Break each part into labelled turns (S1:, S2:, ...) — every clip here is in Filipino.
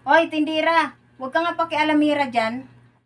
S1: Oy, tindira, huwag ka nga pakialamira dyan.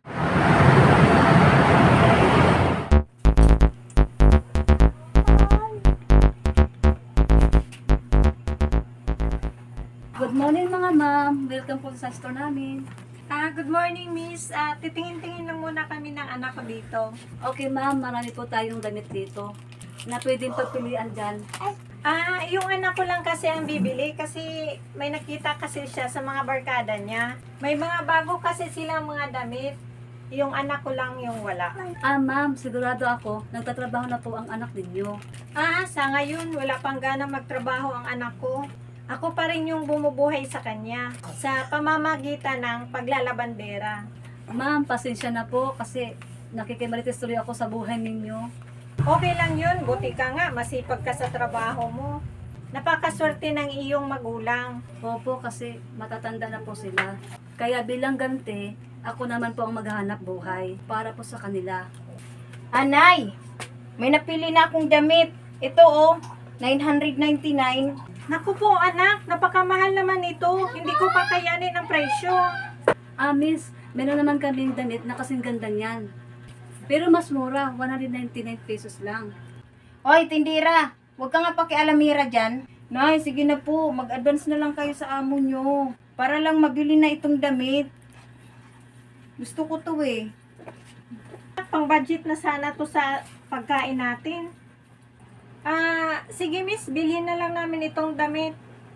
S2: Good morning mga ma'am. Welcome po sa store namin.
S3: Good morning, Miss. Titingin-tingin lang muna kami ng anak ko dito.
S2: Okay ma'am, marami po tayong damit dito na pwedeng pagpilian dyan.
S3: Yung anak ko lang kasi ang bibili kasi may nakita kasi siya sa mga barkada niya. May mga bago kasi silang mga damit. Yung anak ko lang yung wala.
S2: Ma'am, sigurado ako, nagtatrabaho na po ang anak ninyo.
S3: Sa ngayon, wala pang gana magtrabaho ang anak ko. Ako pa rin yung bumubuhay sa kanya sa pamamagitan ng paglalabandera.
S2: Ma'am, pasensya na po kasi nakikimarites tuloy ako sa buhay ninyo.
S3: Okay lang yun, buti ka nga, masipag ka sa trabaho mo. Napakaswerte ng iyong magulang.
S2: Opo, kasi matatanda na po sila. Kaya bilang ganti, ako naman po ang maghahanap buhay para po sa kanila.
S1: Anay, may napili na akong damit. Ito $999.
S3: Naku po anak, napakamahal naman ito. Hindi ko kakayanin ang presyo.
S2: Miss, meron naman kaming damit na kasing ganda niyan. Pero mas mura, 199 pesos lang.
S1: Oy, tindira, huwag ka nga pakialamira dyan. Nay, sige na po, mag-advance na lang kayo sa amo nyo. Para lang mabili na itong damit. Gusto ko to eh.
S3: Pang budget na sana to sa pagkain natin. Sige miss, bilhin na lang namin itong damit.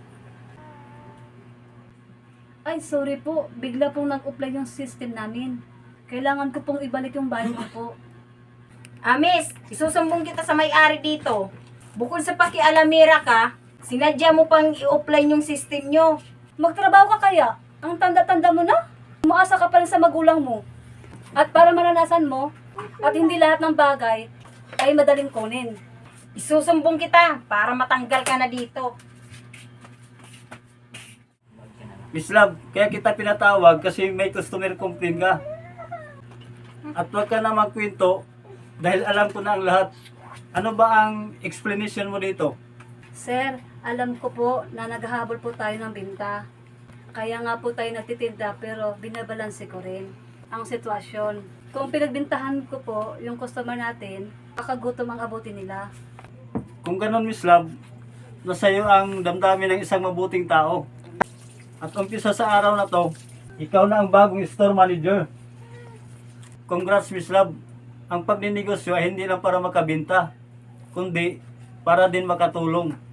S2: Ay, sorry po. Bigla pong nag-apply yung system namin. Kailangan ko pong ibalik yung bayad ko po.
S1: Miss, isusumbong kita sa may-ari dito. Bukod sa pakialamira ka, sinadya mo pang i-offline yung system nyo.
S2: Magtrabaho ka kaya? Ang tanda-tanda mo na? Umaasa ka pa rin sa magulang mo. At para maranasan mo, at hindi lahat ng bagay ay madaling kunin.
S1: Isusumbong kita para matanggal ka na dito.
S4: Miss Love, kaya kita pinatawag kasi may customer complaint ka. At huwag ka na magkwento dahil alam ko na ang lahat. Ano ba ang explanation mo dito?
S2: Sir, alam ko po na naghahabol po tayo ng binta. Kaya nga po tayo nagtitinda pero binabalanse ko rin ang sitwasyon. Kung pinagbintahan ko po yung customer natin, kakagutom ang abutin nila.
S4: Kung ganun Miss Love, nasa iyo ang damdamin ng isang mabuting tao. At umpisa sa araw na to, ikaw na ang bagong store manager. Congrats Miss Love. Ang pagninegosyo ay hindi lang para makabinta, kundi para din makatulong.